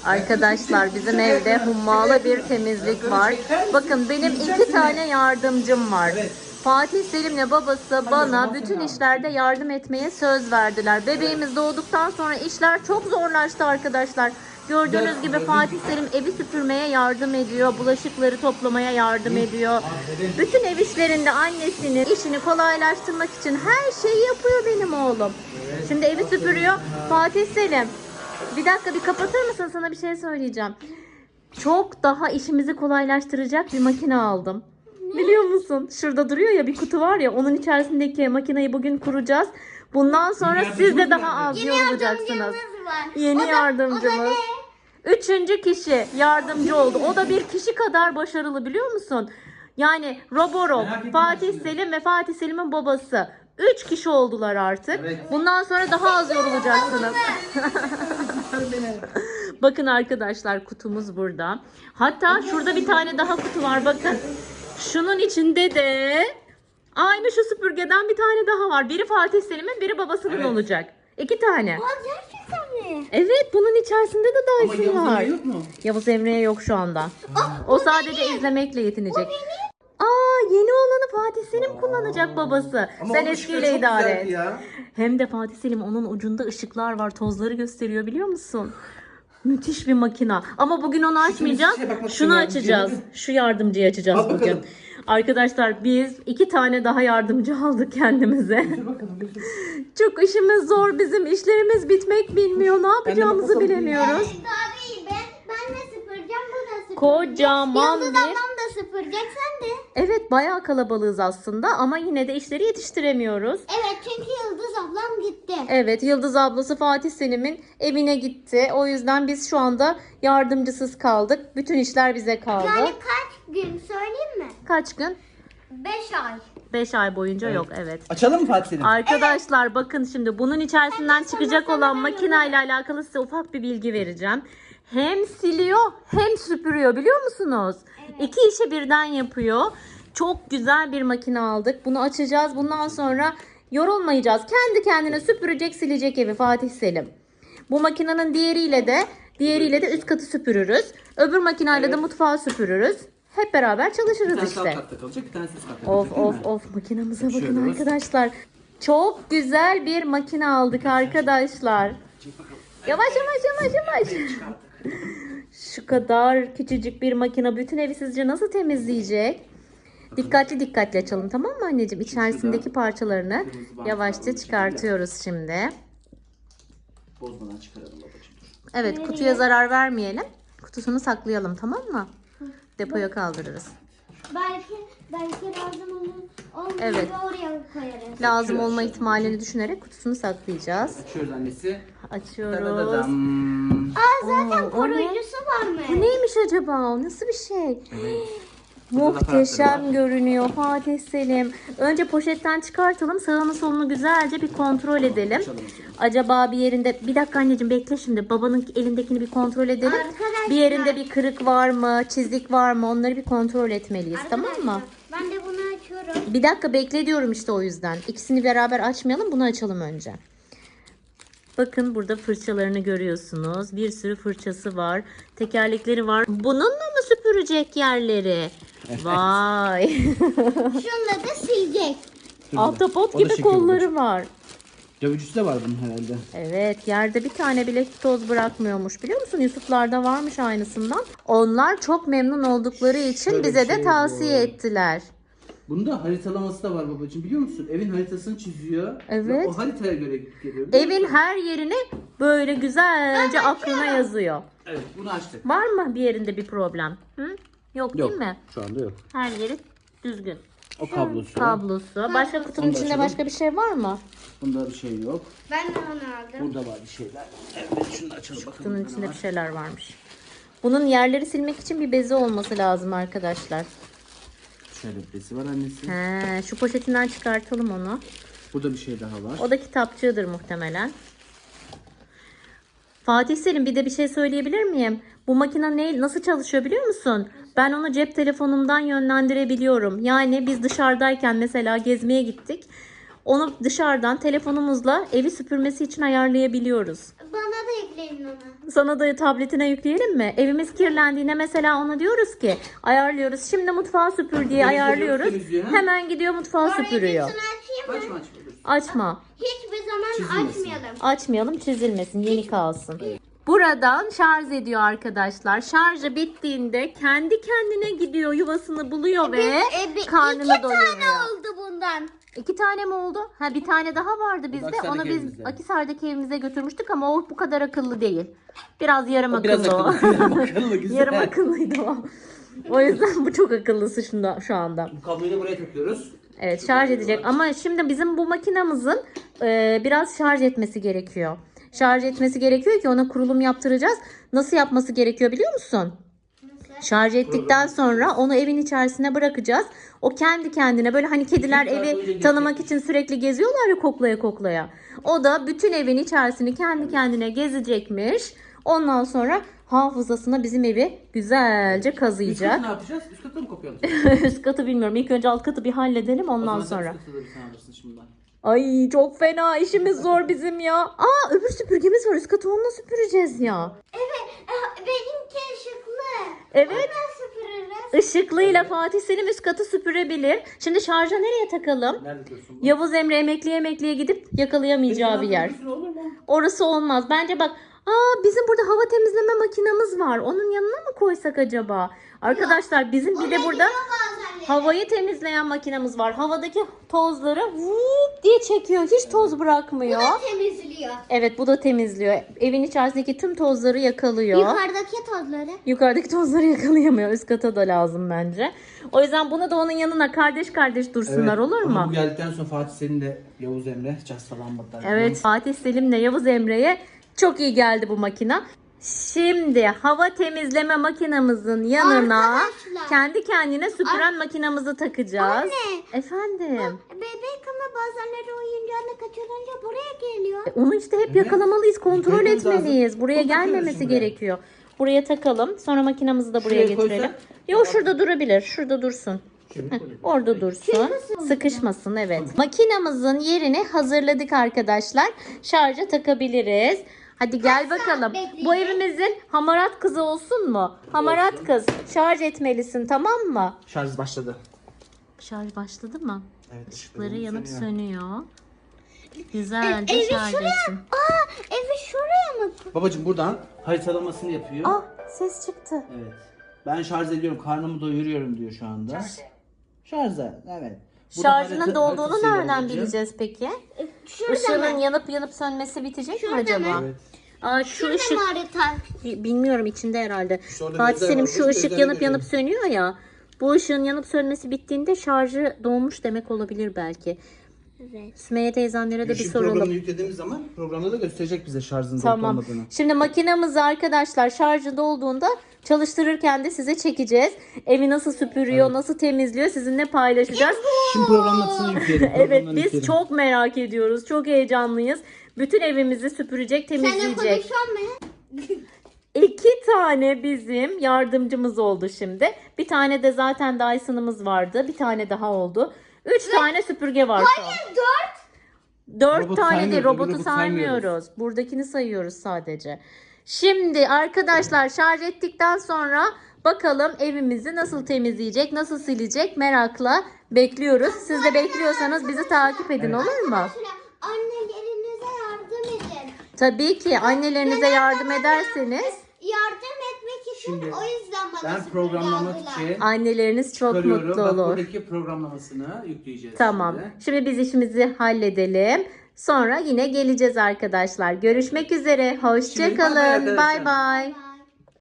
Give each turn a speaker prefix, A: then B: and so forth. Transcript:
A: Arkadaşlar bizim evde hummalı bir temizlik var. Bakın benim 2 tane yardımcım var. Fatih Selim'le babası bana bütün işlerde yardım etmeye söz verdiler. Bebeğimiz doğduktan sonra işler çok zorlaştı arkadaşlar. Gördüğünüz gibi Fatih Selim evi süpürmeye yardım ediyor. Bulaşıkları toplamaya yardım ediyor. Bütün ev işlerinde annesinin işini kolaylaştırmak için her şeyi yapıyor benim oğlum. Şimdi evi süpürüyor. Fatih Selim, bir dakika bir kapatır mısın? Sana bir şey söyleyeceğim. Çok daha işimizi kolaylaştıracak bir makine aldım. Biliyor musun? Şurada duruyor ya, bir kutu var ya, onun içerisindeki makineyi bugün kuracağız. Bundan sonra siz de daha az yorulacaksınız. Yeni yardımcımız. 3. kişi yardımcı oldu. O da bir kişi kadar başarılı, biliyor musun? Yani Roborob, Fatih Selim ve Fatih Selim'in babası. 3 kişi oldular artık. Evet. Bundan sonra daha az yorulacaksınız. Bakın arkadaşlar, kutumuz burada. Hatta şurada bir tane daha kutu var, bakın. Şunun içinde de aynı şu süpürgeden bir tane daha var. Biri Fatih Selim'in, biri babasının olacak. 2 tane.
B: Gerçekten mi?
A: Evet, bunun içerisinde de Dyson var.
C: Yavuz yok mu?
A: Yavuz Emre'ye yok şu anda. O sadece izlemekle yetinecek. Yeni olanı Fatih Selim kullanacak babası.
C: Ama
A: sen
C: o
A: eskiyle
C: ışıklar çok
A: idare et.
C: güzeldi ya.
A: Hem de Fatih Selim, onun ucunda ışıklar var. Tozları gösteriyor, biliyor musun? Müthiş bir makina. Ama bugün onu açmayacağız. Şunu açacağız. Şu yardımcıyı açacağız bugün. Arkadaşlar biz 2 tane daha yardımcı aldık kendimize. Çok işimiz zor. Bizim işlerimiz bitmek bilmiyor. Ne yapacağımızı bilemiyoruz.
B: Ben de süpüreceğim, bu da süpürecek.
A: Kocaman
B: Yıldız
A: bir...
B: ablam da süpürecek, sen de.
A: Evet, bayağı kalabalığız aslında ama yine de işleri yetiştiremiyoruz.
B: Evet, çünkü Yıldız ablam gitti.
A: Evet, Yıldız ablası Fatih Selim'in evine gitti. O yüzden biz şu anda yardımcısız kaldık. Bütün işler bize kaldı.
B: Yani kaç gün söyleyeyim mi?
A: Kaç gün?
B: 5 ay.
A: 5 ay boyunca yok, evet.
C: Açalım mı Fatih Selim?
A: Arkadaşlar bakın, şimdi bunun içerisinden çıkacak olan makineyle alakalı size ufak bir bilgi vereceğim. Hem siliyor hem süpürüyor, biliyor musunuz? Evet. 2 işi birden yapıyor. Çok güzel bir makine aldık. Bunu açacağız. Bundan sonra yorulmayacağız. Kendi kendine süpürecek, silecek evi Fatih Selim. Bu makinenin diğeriyle de üst katı süpürürüz. Öbür makineyle de mutfağı süpürürüz. Hep beraber çalışırız
C: Bir
A: işte.
C: tane katta kalacak, bir tanesi üst katta kalacak.
A: Of makinamıza bakın
C: Açıyoruz.
A: arkadaşlar. Çok güzel bir makine aldık arkadaşlar. Yavaş. Şu kadar küçücük bir makine bütün evi sizce nasıl temizleyecek? Dikkatli açalım, tamam mı anneciğim? İçerisindeki parçalarını yavaşça çıkartıyoruz şimdi.
C: Bozmadan çıkaralım babacığım.
A: Evet, kutuya zarar vermeyelim. Kutusunu saklayalım, tamam mı? Depoya kaldırırız.
B: Belki lazım olmayınca
A: Evet.
B: oraya koyarız.
A: Lazım olma ihtimalini düşünerek kutusunu saklayacağız.
C: Açıyoruz annesi.
A: Açıyoruz.
C: Dadadam.
B: Zaten
A: o ne?
B: koruyucusu varmış.
A: Bu neymiş acaba? O nasıl bir şey?
C: Burada da
A: Muhteşem
C: aparatları var.
A: görünüyor Fatih Selim. Önce poşetten çıkartalım. Sağını solunu güzelce bir kontrol edelim. Acaba bir yerinde... Bir dakika anneciğim, bekle şimdi. Babanın elindekini bir kontrol edelim.
B: Arkadaşlar.
A: Bir yerinde bir kırık var mı? Çizik var mı? Onları bir kontrol etmeliyiz. Tamam mı?
B: Ben de bunu açıyorum.
A: Bir dakika bekle diyorum işte, o yüzden. İkisini beraber açmayalım. Bunu açalım önce. Bakın, burada fırçalarını görüyorsunuz. Bir sürü fırçası var. Tekerlekleri var. Bununla mı süpürecek yerleri? Vay.
B: Şunla da silecek.
A: Ahtapot
C: O da
A: gibi
C: şekil
A: kolları var.
C: Dövücüsü de var bunun herhalde.
A: Evet, yerde bir tane bile toz bırakmıyormuş, biliyor musun? Yusuflarda varmış aynısından. Onlar çok memnun oldukları için
C: Şöyle
A: bize
C: bir
A: de
C: şey
A: tavsiye
C: bu.
A: ettiler.
C: Bunda haritalaması da var babacığım, biliyor musun? Evin haritasını çiziyor.
A: Evet.
C: Ve o haritaya göre gidip geliyor. biliyor
A: Evin
C: musun?
A: her yerini böyle güzelce aklına yazıyor.
C: Evet, bunu açtık.
A: Var mı bir yerinde bir problem? Hı? Yok değil mi?
C: Şu anda yok.
A: Her yeri düzgün.
C: O kablosu.
A: Kablosu. Başka kutunun
C: Onu da
A: içinde
C: açalım.
A: başka bir şey var mı?
C: Bunda bir şey yok.
B: Ben de onu aldım.
C: Burada var bir şeyler. Evet, şunu da açalım bakalım.
A: Kutunun
C: ne
A: içinde
C: var.
A: bir şeyler varmış. Bunun yerleri silmek için bir bezi olması lazım arkadaşlar.
C: Şöyle bir besi var annesi.
A: Şu poşetinden çıkartalım onu.
C: Burada bir şey daha var.
A: O da kitapçığıdır muhtemelen. Fatih Selim, bir de bir şey söyleyebilir miyim? Bu makine nasıl çalışıyor biliyor musun? Ben onu cep telefonumdan yönlendirebiliyorum. Yani biz dışarıdayken mesela gezmeye gittik. Onu dışarıdan telefonumuzla evi süpürmesi için ayarlayabiliyoruz.
B: Bana da ekleyin onu.
A: Sana da tabletine yükleyelim mi? Evimiz kirlendiğinde mesela ona diyoruz ki ayarlıyoruz. Şimdi mutfağı süpür diye ayarlıyoruz.
C: temizliyor, ha?
A: Hemen gidiyor mutfağı süpürüyor.
B: Orayı açayım mı?
C: Açma.
A: Açma.
B: Hiçbir zaman
C: Çizilmesin.
B: açmayalım.
A: Açmayalım, çizilmesin, yeni kalsın. Buradan şarj ediyor arkadaşlar. Şarjı bittiğinde kendi kendine gidiyor, yuvasını buluyor ve karnını
B: İki
A: doyuruyor.
B: tane oldu bundan.
A: 2 tane mi oldu? Ha, bir tane daha vardı bizde.
C: Akisar'daki
A: Onu biz
C: evimizde.
A: Akisar'daki evimize götürmüştük ama o bu kadar akıllı değil. Biraz yarım
C: Biraz
A: akıllı o.
C: akıllı, güzel.
A: Yarım akıllıydı o. O yüzden bu çok akıllısı şu anda.
C: Bu kabloyu da buraya takıyoruz.
A: Evet, şarj edecek ama şimdi bizim bu makinamızın biraz şarj etmesi gerekiyor. Şarj etmesi gerekiyor ki ona kurulum yaptıracağız. Nasıl yapması gerekiyor biliyor musun? Şarj ettikten sonra onu evin içerisine bırakacağız. O kendi kendine böyle hani kediler
C: Bütün saat
A: evi
C: boyunca
A: tanımak
C: gezecek.
A: için sürekli geziyorlar ya, koklaya koklaya. O da bütün evin içerisini kendi kendine gezecekmiş. Ondan sonra hafızasına bizim evi güzelce
C: Üst
A: kazıyacak.
C: katı ne yapacağız? Üst katı mı kopyalım?
A: Üst katı bilmiyorum. İlk önce alt katı bir halledelim ondan sonra.
C: Üst katı da bir sen alırsın şimdiden.
A: Ay çok fena, işimiz zor bizim ya. Aa, öbür süpürgemiz var, üst katı onunla süpüreceğiz ya.
B: Evet. Benimki ışıklı.
A: Evet.
B: Nasıl süpürürüz?
A: Işıklıyla Fatih Selim üst katı süpürebilir. Şimdi şarja nereye takalım?
C: Nerede diyorsun bu?
A: Yavuz Emre emekliye gidip yakalayamayacağı bir yer.
C: Üstüne olur mu?
A: Orası olmaz. Bence bak, bizim burada hava temizleme makinamız var. Onun yanına mı koysak acaba? Arkadaşlar bizim bir de burada
B: Bazen
A: havayı temizleyen makinamız var. Havadaki tozları vup diye çekiyor. Hiç toz bırakmıyor.
B: temizliyor.
A: Evet, bu da temizliyor. Evin içerisindeki tüm tozları yakalıyor.
B: Yukarıdaki tozları.
A: Yukarıdaki tozları yakalayamıyor. Üst kata da lazım bence. O yüzden bunu da onun yanına kardeş kardeş dursunlar, olur mu?
C: Ama bu geldikten sonra Fatih senin de Yavuz Emre castalanmadılar.
A: Evet, Fatih Selim'le Yavuz Emre'ye çok iyi geldi bu makina. Şimdi hava temizleme makinamızın yanına
B: Arkadaşlar.
A: kendi kendine süpüren makinamızı takacağız.
B: Anne.
A: Efendim.
B: Bebek ama bazenleri oyuncağını kaçırınca buraya geliyor.
A: Onu işte hep
C: Evet.
A: yakalamalıyız, kontrol
C: Görmemiz
A: etmeliyiz.
C: lazım.
A: Buraya
C: Bunu takıyoruz
A: gelmemesi
C: şimdi buraya.
A: gerekiyor. Buraya takalım. Sonra makinamızı da buraya
C: Şuraya
A: getirelim.
C: koysak?
A: Yok, şurada durabilir. Şurada dursun. Heh, orada dursun. Sıkışmasın, evet. Makinamızın yerini hazırladık arkadaşlar. Şarja takabiliriz. Hadi gel bakalım.
B: bekleyeceğiz?
A: Bu evimizin hamarat kızı olsun mu? Hamarat kız, şarj etmelisin, tamam mı?
C: Şarj başladı.
A: Şarj başladı mı?
C: Evet.
A: Işıkları yanıp sönüyor. Güzelce
B: evi
A: şarj
B: şuraya-
A: etsin.
B: Evi şuraya mı?
C: Babacığım buradan haritalamasını yapıyor.
A: Ah, ses çıktı.
C: Evet. Ben şarj ediyorum, karnımı doyuruyorum diyor şu anda. Şarja, evet. Burada
A: Şarjının dolduğunu
C: haritasıyla
A: nereden
C: bulacağım.
A: bileceğiz peki?
B: Şurada
A: Işığının
B: mı?
A: yanıp sönmesi bitecek mi
B: Şurada
A: acaba?
B: mı?
C: Evet.
A: Aa, şu
B: Şurada
A: ışık
B: mı harita?
A: bilmiyorum, içinde herhalde.
C: orada
A: Fatih
C: gözler
A: Selim,
C: var.
A: şu
C: Bu
A: ışık
C: gözlere
A: yanıp
C: görüyorum.
A: sönüyor ya. Bu ışığın yanıp sönmesi bittiğinde şarjı dolmuş demek olabilir belki.
B: Evet.
A: Sümeyye teyzemlere de bir
C: Işık
A: soralım.
C: programını yüklediğimiz zaman programda da gösterecek bize şarjın dolup
A: Tamam.
C: olmadığını.
A: Şimdi makinamızı arkadaşlar şarjı dolduğunda çalıştırırken de size çekeceğiz. Evi nasıl süpürüyor, nasıl temizliyor sizinle paylaşacağız.
C: Şimdi programlamasını yükleyelim.
A: Evet,
C: programlarını
A: biz
C: yükleyelim.
A: çok merak ediyoruz. Çok heyecanlıyız. Bütün evimizi süpürecek,
B: Seninle
A: temizleyecek.
B: konuşan mı?
A: 2 tane bizim yardımcımız oldu şimdi. Bir tane de zaten Dyson'ımız vardı. Bir tane daha oldu. 3 tane süpürge var şu an. 4
C: Robotu
A: tane
C: saymıyoruz,
A: değil,
C: öbür
A: robotu
C: robotu
A: saymıyoruz.
C: saymıyoruz.
A: Buradakini sayıyoruz sadece. Şimdi arkadaşlar şarj ettikten sonra bakalım evimizi nasıl temizleyecek, nasıl silecek merakla bekliyoruz. Siz de bekliyorsanız bizi takip edin, olur mu?
B: Mesela annelerinize yardım edin.
A: Tabii ki annelerinize yardım ederseniz
B: Yardım etmek için
C: Şimdi
B: o yüzden bana
C: Ben
B: süpürge
C: programlamak
B: aldılar.
C: için
A: anneleriniz çok
C: çıkarıyorum.
A: mutlu
C: Bak,
A: olur.
C: buradaki programlamasını yükleyeceğiz.
A: Tamam.
C: Şimdi.
A: Şimdi biz işimizi halledelim. Sonra yine geleceğiz arkadaşlar. Görüşmek üzere. Hoşça
C: Şimdi bay bay
A: kalın.
C: arkadaşlar.
A: Bay bay.